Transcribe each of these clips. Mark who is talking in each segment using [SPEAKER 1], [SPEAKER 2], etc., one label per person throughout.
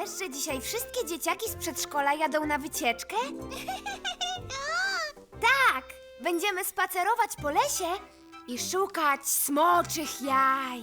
[SPEAKER 1] Wiesz, że dzisiaj wszystkie dzieciaki z przedszkola jadą na wycieczkę? Tak! Będziemy spacerować po lesie i szukać smoczych jaj.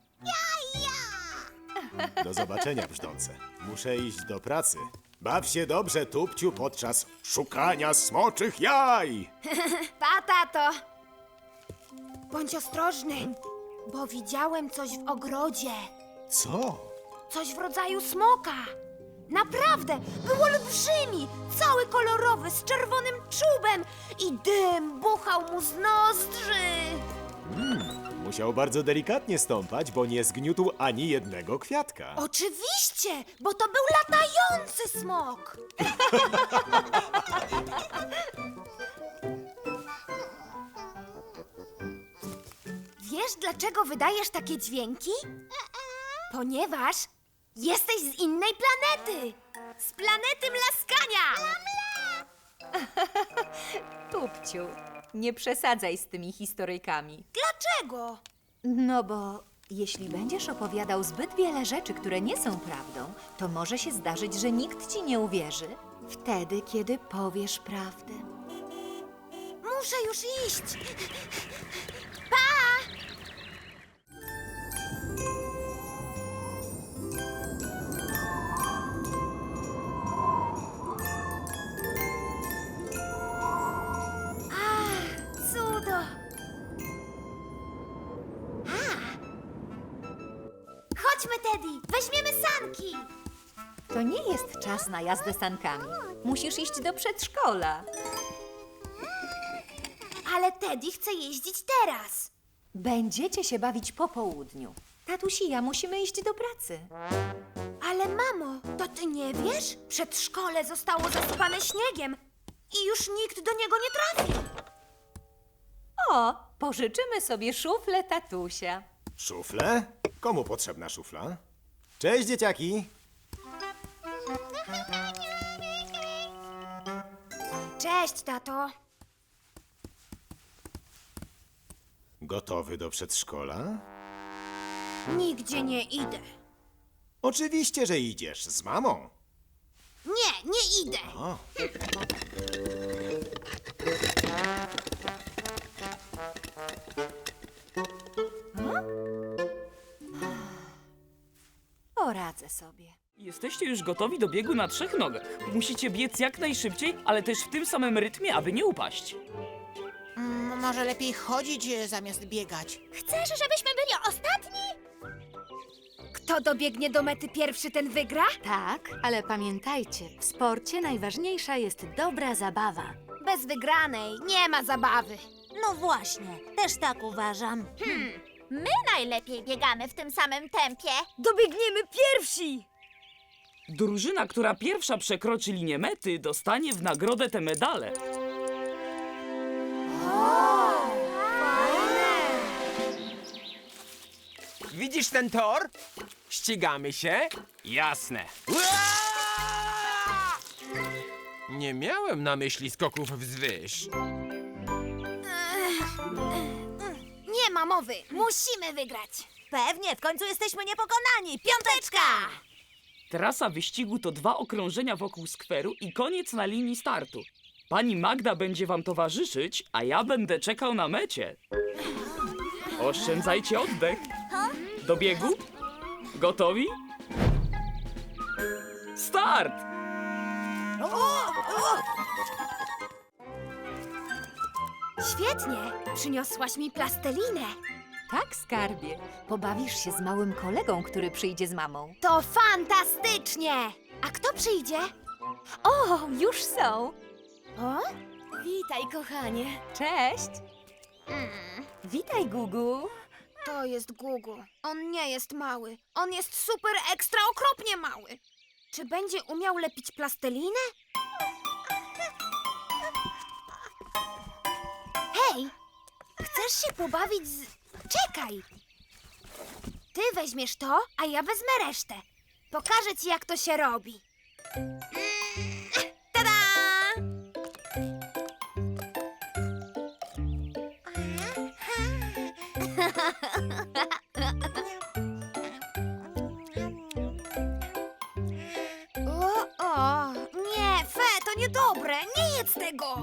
[SPEAKER 2] Do zobaczenia, brzdące. Muszę iść do pracy. Baw się dobrze, Tupciu, podczas szukania smoczych jaj!
[SPEAKER 1] Pa, tato! Bądź ostrożny, bo widziałem coś w ogrodzie.
[SPEAKER 2] Co?
[SPEAKER 1] Coś w rodzaju smoka. Naprawdę, był olbrzymi, cały kolorowy, z czerwonym czubem i dym buchał mu z nozdrzy.
[SPEAKER 2] Musiał bardzo delikatnie stąpać, bo nie zgniótł ani jednego kwiatka.
[SPEAKER 1] Oczywiście, bo to był latający smok. Wiesz, dlaczego wydajesz takie dźwięki? Ponieważ jesteś z innej planety. Z planety Mlaskania.
[SPEAKER 3] Tupciu, nie przesadzaj z tymi historyjkami.
[SPEAKER 1] Dlaczego?
[SPEAKER 3] No bo jeśli będziesz opowiadał zbyt wiele rzeczy, które nie są prawdą, to może się zdarzyć, że nikt ci nie uwierzy. Wtedy, kiedy powiesz prawdę.
[SPEAKER 1] Muszę już iść. Cudo! Chodźmy, Teddy! Weźmiemy sanki!
[SPEAKER 3] To nie jest czas na jazdę sankami. Musisz iść do przedszkola.
[SPEAKER 1] Ale Teddy chce jeździć teraz.
[SPEAKER 3] Będziecie się bawić po południu. Tatuś i ja musimy iść do pracy.
[SPEAKER 1] Ale mamo, to ty nie wiesz? Przedszkole zostało zasypane śniegiem i już nikt do niego nie trafi.
[SPEAKER 3] O, pożyczymy sobie szuflę tatusia.
[SPEAKER 2] Szuflę? Komu potrzebna szufla? Cześć, dzieciaki!
[SPEAKER 1] Cześć, tato.
[SPEAKER 2] Gotowy do przedszkola?
[SPEAKER 1] Nigdzie nie idę.
[SPEAKER 2] Oczywiście, że idziesz z mamą.
[SPEAKER 1] Nie, nie idę.
[SPEAKER 2] O,
[SPEAKER 3] Poradzę sobie.
[SPEAKER 4] Jesteście już gotowi do biegu na 3 nogach. Musicie biec jak najszybciej, ale też w tym samym rytmie, aby nie upaść.
[SPEAKER 5] Może lepiej chodzić zamiast biegać.
[SPEAKER 1] Chcesz, żebyśmy byli ostatni? Kto dobiegnie do mety pierwszy, ten wygra?
[SPEAKER 6] Tak, ale pamiętajcie, w sporcie najważniejsza jest dobra zabawa.
[SPEAKER 1] Bez wygranej nie ma zabawy.
[SPEAKER 7] No właśnie, też tak uważam. My najlepiej biegamy w tym samym tempie.
[SPEAKER 1] Dobiegniemy pierwsi!
[SPEAKER 4] Drużyna, która pierwsza przekroczy linię mety, dostanie w nagrodę te medale.
[SPEAKER 8] Widzisz ten tor? Ścigamy się? Jasne. Nie miałem na myśli skoków wzwyż.
[SPEAKER 1] Nie ma mowy, musimy wygrać.
[SPEAKER 7] Pewnie, w końcu jesteśmy niepokonani. Piąteczka!
[SPEAKER 4] Trasa wyścigu to 2 okrążenia wokół skweru i koniec na linii startu. Pani Magda będzie wam towarzyszyć, a ja będę czekał na mecie. Oszczędzajcie oddech. Do biegu? Gotowi? Start!
[SPEAKER 1] Świetnie, przyniosłaś mi plastelinę.
[SPEAKER 3] Tak, skarbie. Pobawisz się z małym kolegą, który przyjdzie z mamą.
[SPEAKER 1] To fantastycznie! A kto przyjdzie?
[SPEAKER 3] O, już są.
[SPEAKER 1] O? Witaj, kochanie.
[SPEAKER 3] Cześć. Witaj, Gugu.
[SPEAKER 1] To jest Gugu. On nie jest mały. On jest super ekstra okropnie mały. Czy będzie umiał lepić plastelinę? Hej! Chcesz się pobawić z... Czekaj! Ty weźmiesz to, a ja wezmę resztę. Pokażę ci, jak to się robi. Tada! niedobre. Nie jedz tego.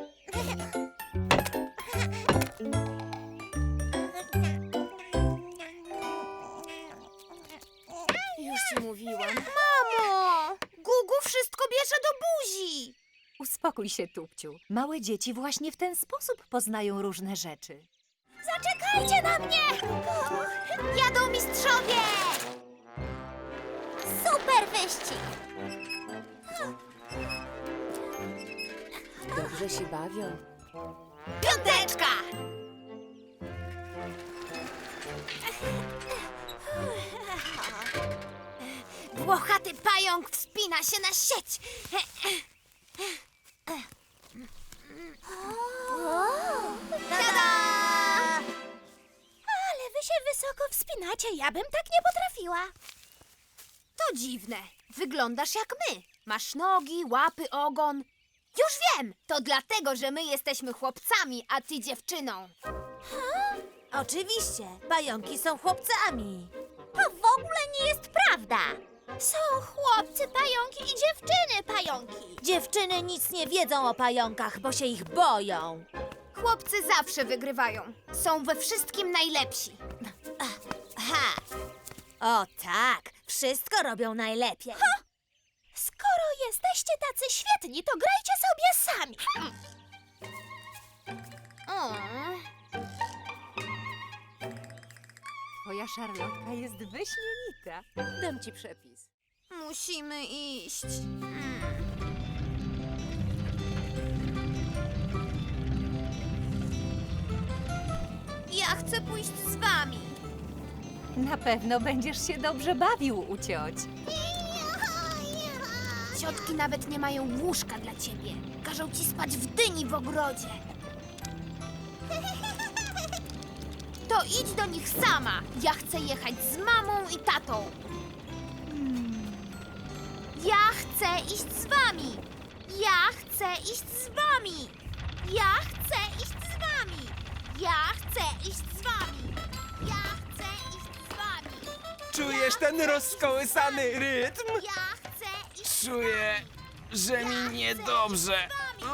[SPEAKER 6] Już ci mówiłam.
[SPEAKER 1] Mamo! Gugu wszystko bierze do buzi.
[SPEAKER 3] Uspokój się, Tupciu. Małe dzieci właśnie w ten sposób poznają różne rzeczy.
[SPEAKER 7] Zaczekajcie na mnie!
[SPEAKER 1] Jadą mistrzowie!
[SPEAKER 7] Super wyścig!
[SPEAKER 6] Dobrze się bawią.
[SPEAKER 1] Piąteczka! Włochaty pająk wspina się na sieć. Tada!
[SPEAKER 7] Ale wy się wysoko wspinacie, ja bym tak nie potrafiła.
[SPEAKER 1] To dziwne. Wyglądasz jak my. Masz nogi, łapy, ogon. Już wiem! To dlatego, że my jesteśmy chłopcami, a ty dziewczyną.
[SPEAKER 7] Oczywiście, pająki są chłopcami. To w ogóle nie jest prawda. Są chłopcy pająki i dziewczyny pająki. Dziewczyny nic nie wiedzą o pająkach, bo się ich boją.
[SPEAKER 1] Chłopcy zawsze wygrywają. Są we wszystkim najlepsi.
[SPEAKER 7] Ha! O tak, wszystko robią najlepiej. Skoro jesteście tacy świetni, to grajcie sobie sami.
[SPEAKER 3] Twoja szarlotka jest wyśmienita.
[SPEAKER 6] Dam ci przepis.
[SPEAKER 1] Musimy iść. Ja chcę pójść z wami.
[SPEAKER 3] Na pewno będziesz się dobrze bawił u cioć.
[SPEAKER 1] Ciotki nawet nie mają łóżka dla ciebie. Każą ci spać w dyni w ogrodzie. To idź do nich sama. Ja chcę jechać z mamą i tatą. Ja chcę iść z wami. Ja chcę iść z wami. Ja chcę iść z wami. Ja chcę iść z wami. Ja chcę iść z wami.
[SPEAKER 8] Czujesz ten rozkołysany rytm?
[SPEAKER 1] Ja chcę iść z
[SPEAKER 8] Czuję, że mi niedobrze.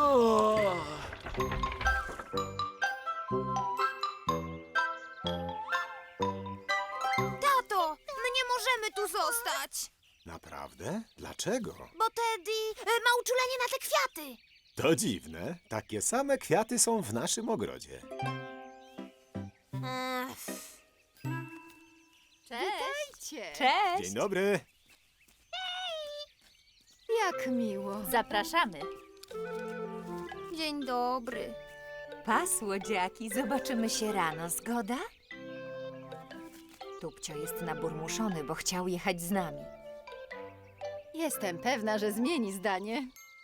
[SPEAKER 1] Tato, my nie możemy tu zostać.
[SPEAKER 2] Naprawdę? Dlaczego?
[SPEAKER 1] Bo Teddy ma uczulenie na te kwiaty.
[SPEAKER 2] To dziwne. Takie same kwiaty są w naszym ogrodzie.
[SPEAKER 6] Cześć!
[SPEAKER 3] Cześć!
[SPEAKER 2] Dzień dobry.
[SPEAKER 6] Jak miło.
[SPEAKER 3] Zapraszamy.
[SPEAKER 1] Dzień dobry.
[SPEAKER 3] Pa, słodziaki, zobaczymy się rano, zgoda? Tupcio jest naburmuszony, bo chciał jechać z nami.
[SPEAKER 6] Jestem pewna, że zmieni zdanie.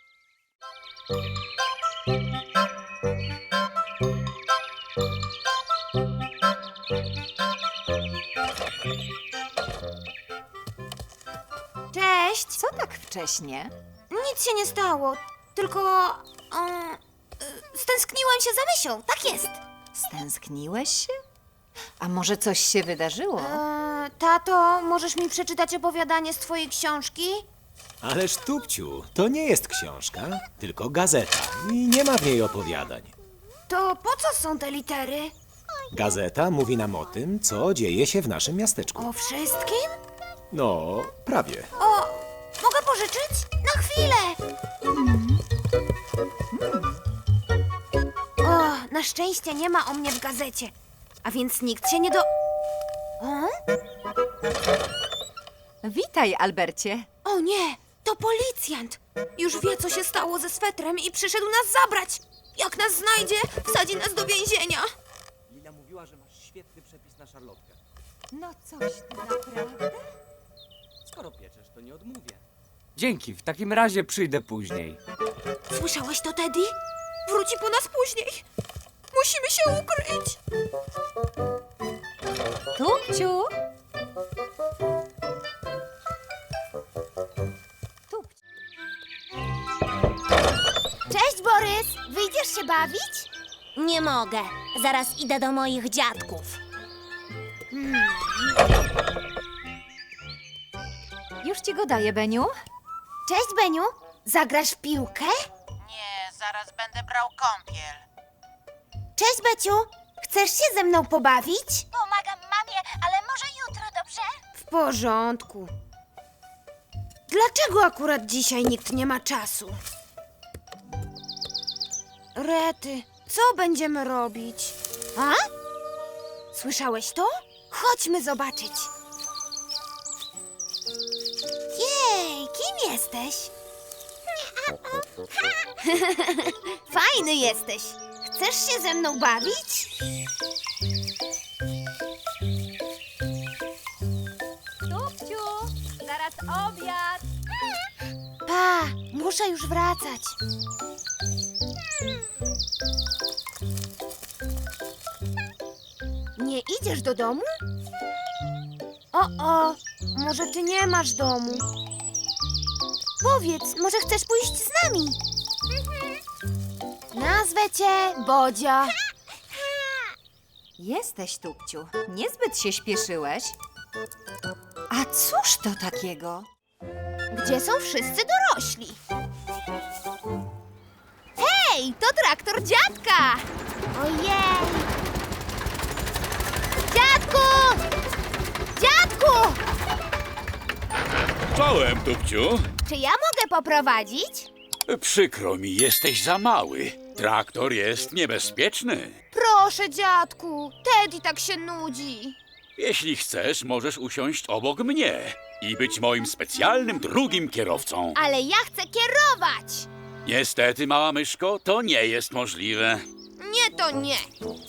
[SPEAKER 1] Cześć.
[SPEAKER 3] Co tak wcześnie?
[SPEAKER 1] Nic się nie stało, tylko stęskniłam się za Mysią. Tak jest.
[SPEAKER 3] Stęskniłeś się? A może coś się wydarzyło?
[SPEAKER 1] Tato, możesz mi przeczytać opowiadanie z twojej książki?
[SPEAKER 2] Ależ Tupciu, to nie jest książka, tylko gazeta i nie ma w niej opowiadań.
[SPEAKER 1] To po co są te litery?
[SPEAKER 2] Gazeta mówi nam o tym, co dzieje się w naszym miasteczku.
[SPEAKER 1] O wszystkim?
[SPEAKER 2] No, prawie.
[SPEAKER 1] O, mogę pożyczyć? Na chwilę. O, na szczęście nie ma o mnie w gazecie. A więc nikt się nie do... O?
[SPEAKER 3] Witaj, Albercie.
[SPEAKER 1] O nie, to policjant. Już wie, co się stało ze swetrem i przyszedł nas zabrać. Jak nas znajdzie, wsadzi nas do więzienia.
[SPEAKER 9] Lila mówiła, że masz świetny przepis na szarlotkę.
[SPEAKER 3] No coś ty naprawdę?
[SPEAKER 9] Skoro pieczesz, to nie odmówię.
[SPEAKER 10] Dzięki, w takim razie przyjdę później.
[SPEAKER 1] Słyszałeś to, Teddy? Wróci po nas później. Musimy się ukryć.
[SPEAKER 3] Tupciu! Tupciu.
[SPEAKER 1] Cześć, Borys. Wyjdziesz się bawić?
[SPEAKER 7] Nie mogę. Zaraz idę do moich dziadków.
[SPEAKER 3] Już ci go daję, Beniu.
[SPEAKER 1] Cześć, Beniu. Zagrasz w piłkę?
[SPEAKER 5] Nie, zaraz będę brał kąpiel.
[SPEAKER 1] Cześć, Beciu. Chcesz się ze mną pobawić?
[SPEAKER 7] Pomagam mamie, ale może jutro, dobrze?
[SPEAKER 1] W porządku. Dlaczego akurat dzisiaj nikt nie ma czasu? Rety, co będziemy robić? A? Słyszałeś to? Chodźmy zobaczyć. Jej, kim jesteś? Fajny jesteś. Chcesz się ze mną bawić?
[SPEAKER 3] Tupciu, zaraz obiad.
[SPEAKER 1] Pa, muszę już wracać. Nie idziesz do domu? O, może ty nie masz domu. Powiedz, może chcesz pójść z nami? Nazwę cię Bodzio.
[SPEAKER 3] Jesteś, Tupciu. Niezbyt się śpieszyłeś. A cóż to takiego?
[SPEAKER 1] Gdzie są wszyscy dorośli? Hej, to traktor dziadka! Ojej! Dziadku! Dziadku!
[SPEAKER 11] Czołem, Tupciu.
[SPEAKER 1] Czy ja mogę poprowadzić?
[SPEAKER 11] Przykro mi, jesteś za mały. Traktor jest niebezpieczny.
[SPEAKER 1] Proszę, dziadku. Teddy tak się nudzi.
[SPEAKER 11] Jeśli chcesz, możesz usiąść obok mnie i być moim specjalnym drugim kierowcą.
[SPEAKER 1] Ale ja chcę kierować!
[SPEAKER 11] Niestety, mała myszko, to nie jest możliwe.
[SPEAKER 1] Nie, to nie.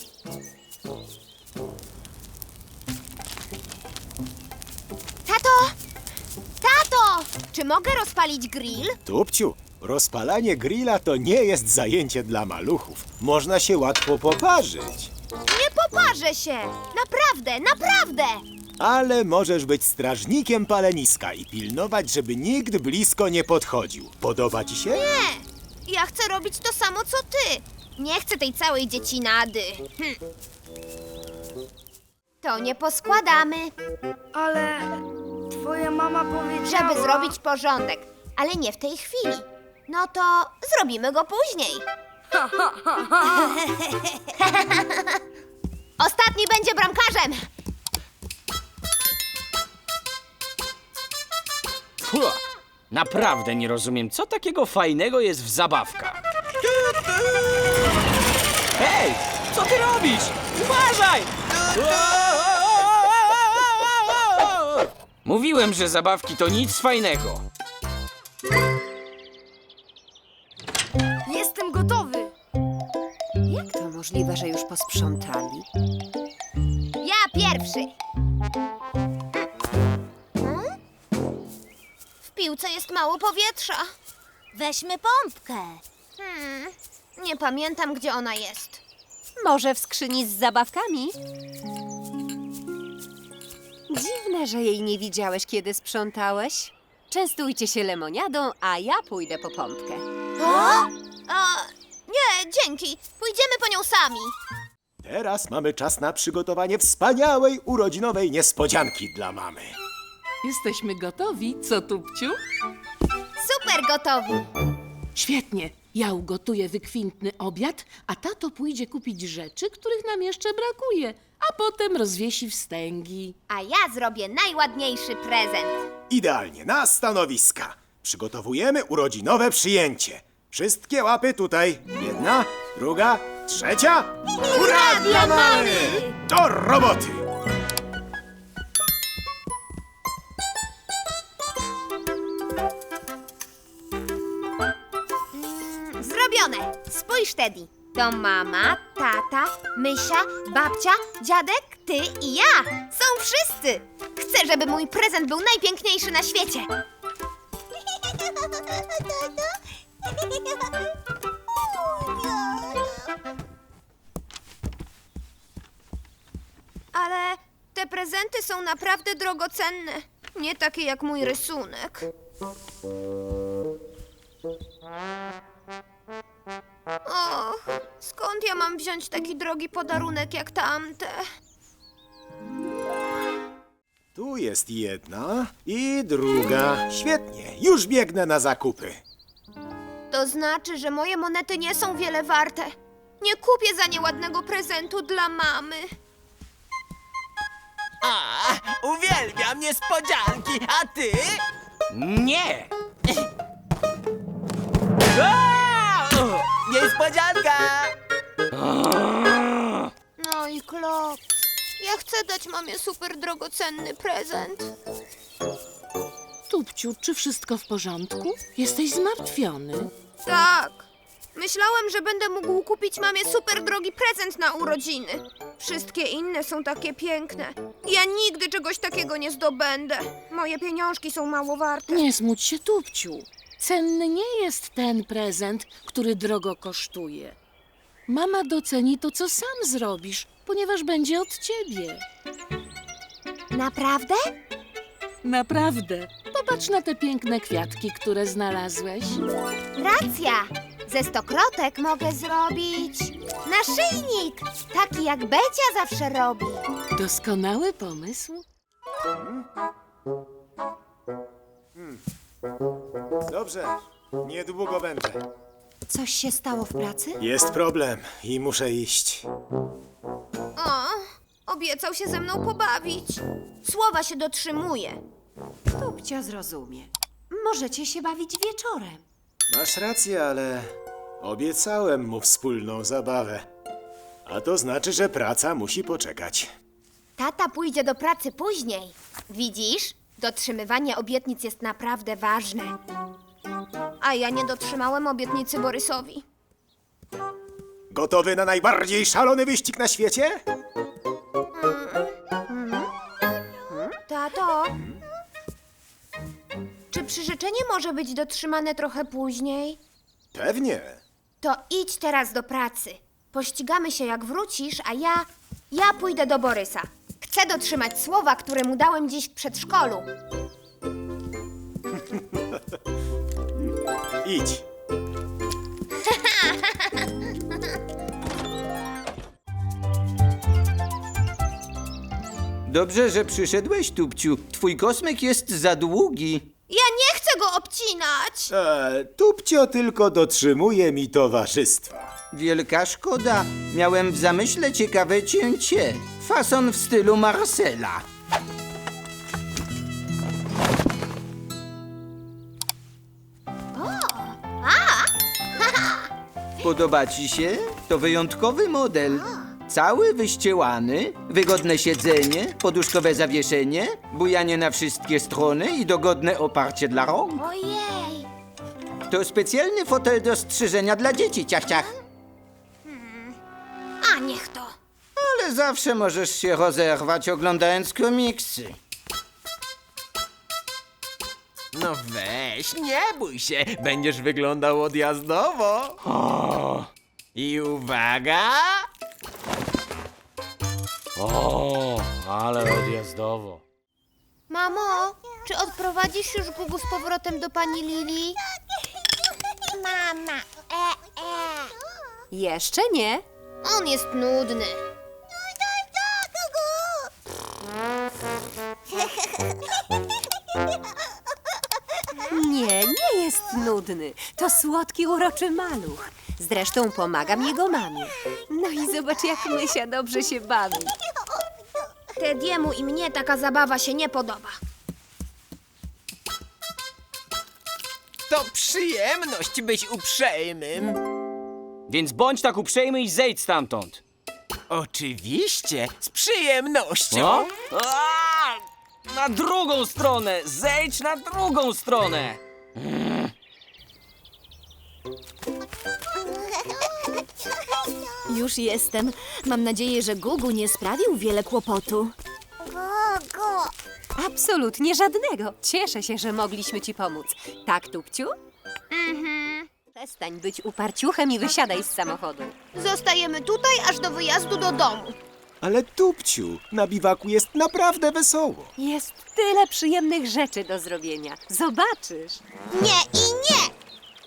[SPEAKER 1] Tato! Tato! Czy mogę rozpalić grill?
[SPEAKER 2] Tupciu, rozpalanie grilla to nie jest zajęcie dla maluchów. Można się łatwo poparzyć.
[SPEAKER 1] Nie poparzę się! Naprawdę, naprawdę!
[SPEAKER 2] Ale możesz być strażnikiem paleniska i pilnować, żeby nikt blisko nie podchodził. Podoba ci się?
[SPEAKER 1] Nie! Ja chcę robić to samo, co ty. Nie chcę tej całej dziecinady. To nie poskładamy.
[SPEAKER 12] Ale twoja mama powiedziała...
[SPEAKER 1] Żeby zrobić porządek. Ale nie w tej chwili. No to zrobimy go później. Ostatni będzie bramkarzem.
[SPEAKER 9] Puh, naprawdę nie rozumiem, co takiego fajnego jest w zabawkach. Hej, co ty robisz? Uważaj! Mówiłem, że zabawki to nic fajnego.
[SPEAKER 12] Jestem gotowy.
[SPEAKER 3] Jak to możliwe, że już posprzątali?
[SPEAKER 1] Ja pierwszy. W piłce jest mało powietrza.
[SPEAKER 7] Weźmy pompkę.
[SPEAKER 1] Nie pamiętam, gdzie ona jest.
[SPEAKER 3] Może w skrzyni z zabawkami? Dziwne, że jej nie widziałeś, kiedy sprzątałeś. Częstujcie się lemoniadą, a ja pójdę po pompkę.
[SPEAKER 1] Nie, dzięki. Pójdziemy po nią sami.
[SPEAKER 2] Teraz mamy czas na przygotowanie wspaniałej urodzinowej niespodzianki dla mamy.
[SPEAKER 13] Jesteśmy gotowi, co, Tupciu?
[SPEAKER 1] Super gotowi.
[SPEAKER 13] Świetnie. Ja ugotuję wykwintny obiad, a tato pójdzie kupić rzeczy, których nam jeszcze brakuje, a potem rozwiesi wstęgi.
[SPEAKER 1] A ja zrobię najładniejszy prezent.
[SPEAKER 2] Idealnie, na stanowiska. Przygotowujemy urodzinowe przyjęcie. Wszystkie łapy tutaj. Jedna, druga, trzecia. Hurra dla mamy! Do roboty!
[SPEAKER 1] Zrobione. Spójrz, Teddy. To mama, tata, Mysia, babcia, dziadek, ty i ja. Są wszyscy. Chcę, żeby mój prezent był najpiękniejszy na świecie. Ale te prezenty są naprawdę drogocenne. Nie takie jak mój rysunek. Och, skąd ja mam wziąć taki drogi podarunek jak tamte?
[SPEAKER 2] Tu jest jedna i druga. Świetnie, już biegnę na zakupy.
[SPEAKER 1] To znaczy, że moje monety nie są wiele warte. Nie kupię za nie ładnego prezentu dla mamy.
[SPEAKER 14] A, uwielbiam niespodzianki, a ty?
[SPEAKER 9] Nie!
[SPEAKER 14] Niespodzianka!
[SPEAKER 1] No i Klop. Ja chcę dać mamie super drogocenny prezent.
[SPEAKER 13] Tupciu, czy wszystko w porządku? Jesteś zmartwiony.
[SPEAKER 1] Tak. Myślałem, że będę mógł kupić mamie super drogi prezent na urodziny. Wszystkie inne są takie piękne. Ja nigdy czegoś takiego nie zdobędę. Moje pieniążki są mało warte.
[SPEAKER 13] Nie smuć się, Tupciu. Cenny nie jest ten prezent, który drogo kosztuje. Mama doceni to, co sam zrobisz, ponieważ będzie od ciebie.
[SPEAKER 1] Naprawdę?
[SPEAKER 13] Naprawdę. Popatrz na te piękne kwiatki, które znalazłeś.
[SPEAKER 1] Racja. Ze stokrotek mogę zrobić naszyjnik. Taki jak Becia zawsze robi.
[SPEAKER 13] Doskonały pomysł.
[SPEAKER 2] Dobrze, niedługo będę.
[SPEAKER 3] Coś się stało w pracy?
[SPEAKER 2] Jest problem i muszę iść.
[SPEAKER 1] O, obiecał się ze mną pobawić. Słowa się dotrzymuje.
[SPEAKER 3] Tupcio zrozumie. Możecie się bawić wieczorem.
[SPEAKER 2] Masz rację, ale obiecałem mu wspólną zabawę. A to znaczy, że praca musi poczekać.
[SPEAKER 1] Tata pójdzie do pracy później. Widzisz? Dotrzymywanie obietnic jest naprawdę ważne. A ja nie dotrzymałem obietnicy Borysowi.
[SPEAKER 2] Gotowy na najbardziej szalony wyścig na świecie?
[SPEAKER 1] Tato, czy przyrzeczenie może być dotrzymane trochę później?
[SPEAKER 2] Pewnie.
[SPEAKER 1] To idź teraz do pracy. Pościgamy się jak wrócisz, a ja pójdę do Borysa. Chcę dotrzymać słowa, które mu dałem dziś w przedszkolu.
[SPEAKER 2] Idź.
[SPEAKER 15] Dobrze, że przyszedłeś, Tupciu. Twój kosmyk jest za długi.
[SPEAKER 1] Ja nie chcę go obcinać!
[SPEAKER 2] Tupcio tylko dotrzymuje mi towarzystwa.
[SPEAKER 15] Wielka szkoda. Miałem w zamyśle ciekawe cięcie. Fason w stylu Marcela. Podoba ci się? To wyjątkowy model. Cały wyściełany, wygodne siedzenie, poduszkowe zawieszenie, bujanie na wszystkie strony i dogodne oparcie dla rąk.
[SPEAKER 1] Ojej!
[SPEAKER 15] To specjalny fotel do strzyżenia dla dzieci, ciach, ciach.
[SPEAKER 1] A niech to!
[SPEAKER 15] Ale zawsze możesz się rozerwać oglądając komiksy.
[SPEAKER 14] No weź, nie bój się, będziesz wyglądał odjazdowo. I uwaga!
[SPEAKER 9] O, ale odjazdowo.
[SPEAKER 1] Mamo, czy odprowadzisz już Gugu z powrotem do pani Lili? Mama,
[SPEAKER 3] Jeszcze nie.
[SPEAKER 1] On jest nudny.
[SPEAKER 3] Nie jest nudny. To słodki, uroczy maluch. Zresztą pomagam jego mamie. No i zobacz, jak Mysia dobrze się bawi.
[SPEAKER 1] Tediemu i mnie taka zabawa się nie podoba.
[SPEAKER 14] To przyjemność być uprzejmym.
[SPEAKER 9] Więc bądź tak uprzejmy i zejdź stamtąd.
[SPEAKER 14] Oczywiście, z przyjemnością.
[SPEAKER 9] No? Na drugą stronę! Zejdź na drugą stronę!
[SPEAKER 6] Już jestem. Mam nadzieję, że Gugu nie sprawił wiele kłopotu.
[SPEAKER 3] Absolutnie żadnego. Cieszę się, że mogliśmy ci pomóc. Tak, Tupciu? Przestań być uparciuchem i wysiadaj z samochodu.
[SPEAKER 1] Zostajemy tutaj aż do wyjazdu do domu.
[SPEAKER 2] Ale Tupciu, na biwaku jest naprawdę wesoło.
[SPEAKER 3] Jest tyle przyjemnych rzeczy do zrobienia. Zobaczysz.
[SPEAKER 1] Nie i nie!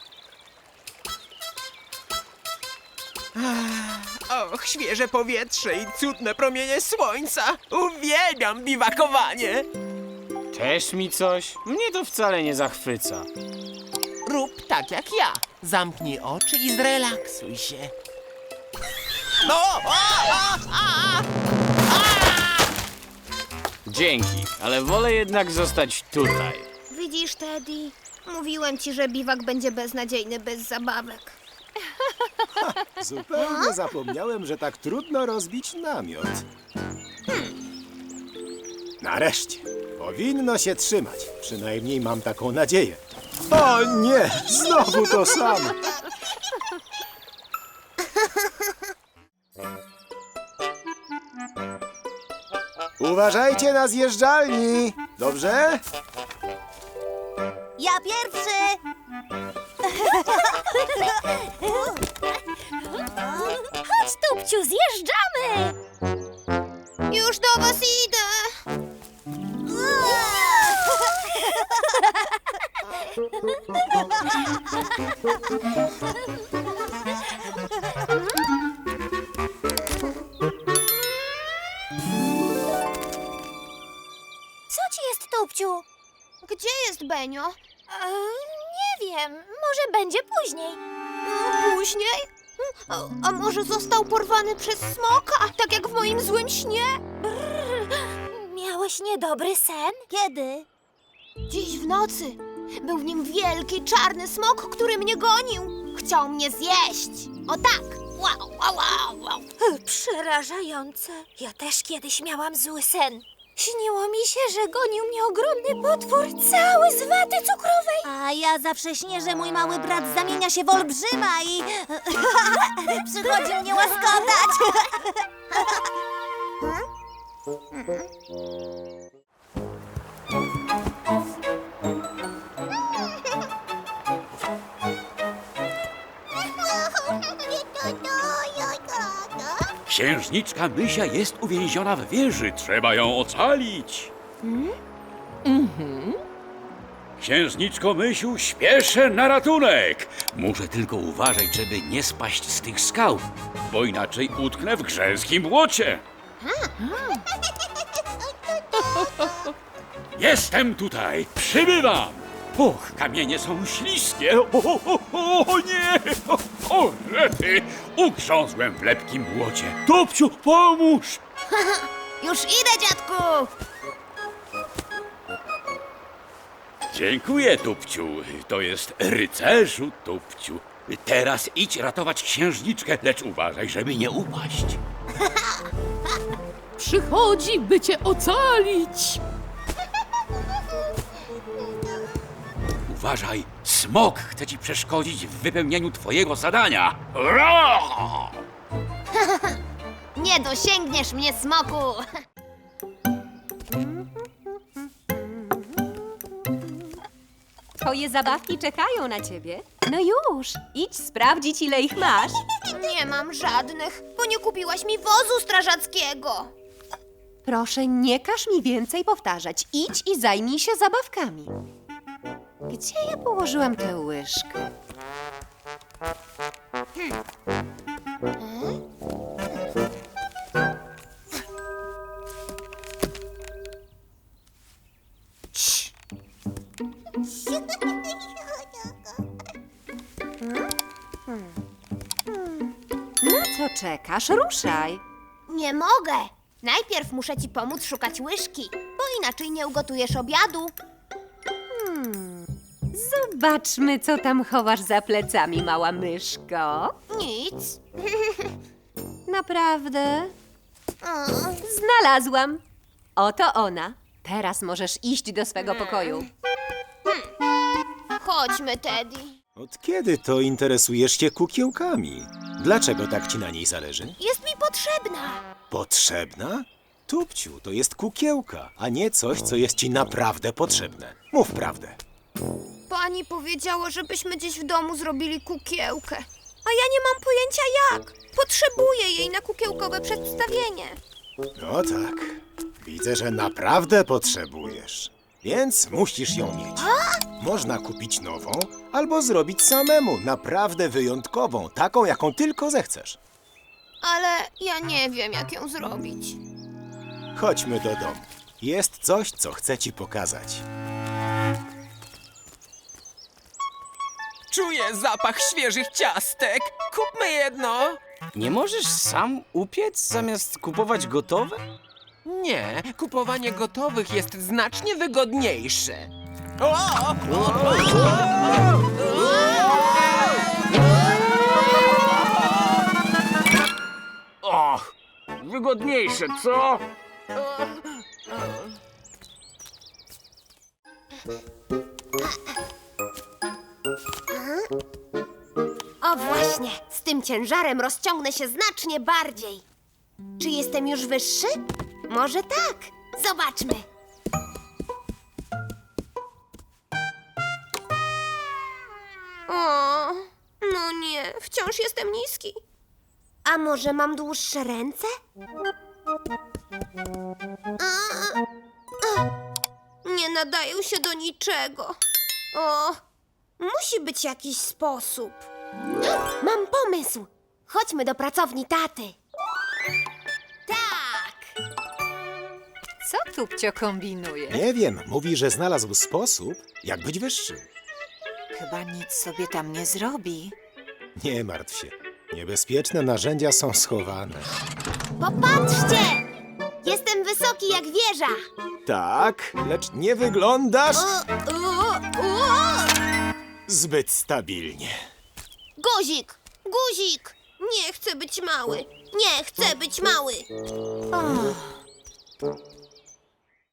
[SPEAKER 14] Och, świeże powietrze i cudne promienie słońca. Uwielbiam biwakowanie.
[SPEAKER 9] Też mi coś? Mnie to wcale nie zachwyca.
[SPEAKER 14] Rób tak jak ja. Zamknij oczy i zrelaksuj się.
[SPEAKER 9] Dzięki, ale wolę jednak zostać tutaj.
[SPEAKER 12] Widzisz, Teddy? Mówiłem ci, że biwak będzie beznadziejny bez zabawek.
[SPEAKER 2] Zupełnie zapomniałem, że tak trudno rozbić namiot. Nareszcie. Powinno się trzymać. Przynajmniej mam taką nadzieję. O nie! Znowu to samo! Uważajcie na zjeżdżalni! Dobrze?
[SPEAKER 7] Ja pierwszy! Chodź, Tupciu, zjeżdżamy!
[SPEAKER 12] Już do was idę!
[SPEAKER 7] Co ci jest, Tupciu?
[SPEAKER 12] Gdzie jest Benio?
[SPEAKER 7] Nie wiem, może będzie później.
[SPEAKER 12] Później? A może został porwany przez smoka, tak jak w moim złym śnie?
[SPEAKER 7] Miałeś niedobry sen? Kiedy?
[SPEAKER 12] Dziś w nocy. Był w nim wielki, czarny smok, który mnie gonił. Chciał mnie zjeść. O tak! Wow, wow, wow, wow.
[SPEAKER 7] Przerażające. Ja też kiedyś miałam zły sen. Śniło mi się, że gonił mnie ogromny potwór, cały z waty cukrowej. A ja zawsze śnię, że mój mały brat zamienia się w olbrzyma i przychodzi mnie łaskotać.
[SPEAKER 11] Księżniczka Mysia jest uwięziona w wieży. Trzeba ją ocalić. Księżniczko Mysiu, śpieszę na ratunek. Muszę tylko uważać, żeby nie spaść z tych skał, bo inaczej utknę w grzęskim błocie. Jestem tutaj, przybywam. Och, kamienie są śliskie. O nie! O rety! Ugrzązłem w lepkim błocie. Tupciu, pomóż!
[SPEAKER 12] Już idę, dziadku!
[SPEAKER 11] Dziękuję, Tupciu. To jest rycerzu, Tupciu. Teraz idź ratować księżniczkę, lecz uważaj, żeby nie upaść.
[SPEAKER 13] Przychodzi, by cię ocalić.
[SPEAKER 11] Uważaj, smok chce ci przeszkodzić w wypełnieniu twojego zadania. Ra!
[SPEAKER 12] Nie dosięgniesz mnie, smoku!
[SPEAKER 3] Twoje zabawki czekają na ciebie. No już, idź sprawdzić, ile ich masz.
[SPEAKER 12] Nie mam żadnych, bo nie kupiłaś mi wozu strażackiego.
[SPEAKER 3] Proszę, nie każ mi więcej powtarzać. Idź i zajmij się zabawkami. Gdzie ja położyłam tę łyżkę? Na co czekasz? Ruszaj.
[SPEAKER 12] Nie mogę. Najpierw muszę ci pomóc szukać łyżki, bo inaczej nie ugotujesz obiadu.
[SPEAKER 3] Zobaczmy, co tam chowasz za plecami, mała myszko.
[SPEAKER 12] Nic.
[SPEAKER 3] Naprawdę? Znalazłam. Oto ona. Teraz możesz iść do swego pokoju.
[SPEAKER 12] Chodźmy, Teddy.
[SPEAKER 2] Od kiedy to interesujesz się kukiełkami? Dlaczego tak ci na niej zależy?
[SPEAKER 12] Jest mi potrzebna.
[SPEAKER 2] Potrzebna? Tupciu, to jest kukiełka, a nie coś, co jest ci naprawdę potrzebne. Mów prawdę.
[SPEAKER 12] Pani powiedziała, żebyśmy gdzieś w domu zrobili kukiełkę. A ja nie mam pojęcia jak. Potrzebuję jej na kukiełkowe przedstawienie.
[SPEAKER 2] No tak. Widzę, że naprawdę potrzebujesz. Więc musisz ją mieć. Można kupić nową, albo zrobić samemu, naprawdę wyjątkową, taką, jaką tylko zechcesz.
[SPEAKER 12] Ale ja nie wiem, jak ją zrobić.
[SPEAKER 2] Chodźmy do domu. Jest coś, co chcę ci pokazać.
[SPEAKER 14] Czuję zapach świeżych ciastek. Kupmy jedno.
[SPEAKER 9] Nie możesz sam upiec zamiast kupować gotowe?
[SPEAKER 14] Nie, kupowanie gotowych jest znacznie wygodniejsze.
[SPEAKER 11] Och, wygodniejsze, co?
[SPEAKER 12] O właśnie, z tym ciężarem rozciągnę się znacznie bardziej. Czy jestem już wyższy? Może tak. Zobaczmy. O, no nie, wciąż jestem niski. A może mam dłuższe ręce? Nie nadają się do niczego. O, musi być jakiś sposób. Mam pomysł. Chodźmy do pracowni taty. Tak.
[SPEAKER 3] Co Tupcio kombinuje?
[SPEAKER 2] Nie wiem, mówi, że znalazł sposób, jak być wyższym.
[SPEAKER 3] Chyba nic sobie tam nie zrobi.
[SPEAKER 2] Nie martw się. Niebezpieczne narzędzia są schowane.
[SPEAKER 12] Popatrzcie! Jestem wysoki jak wieża.
[SPEAKER 2] Tak, lecz nie wyglądasz zbyt stabilnie.
[SPEAKER 12] Guzik! Guzik! Nie chcę być mały. Nie chcę być mały.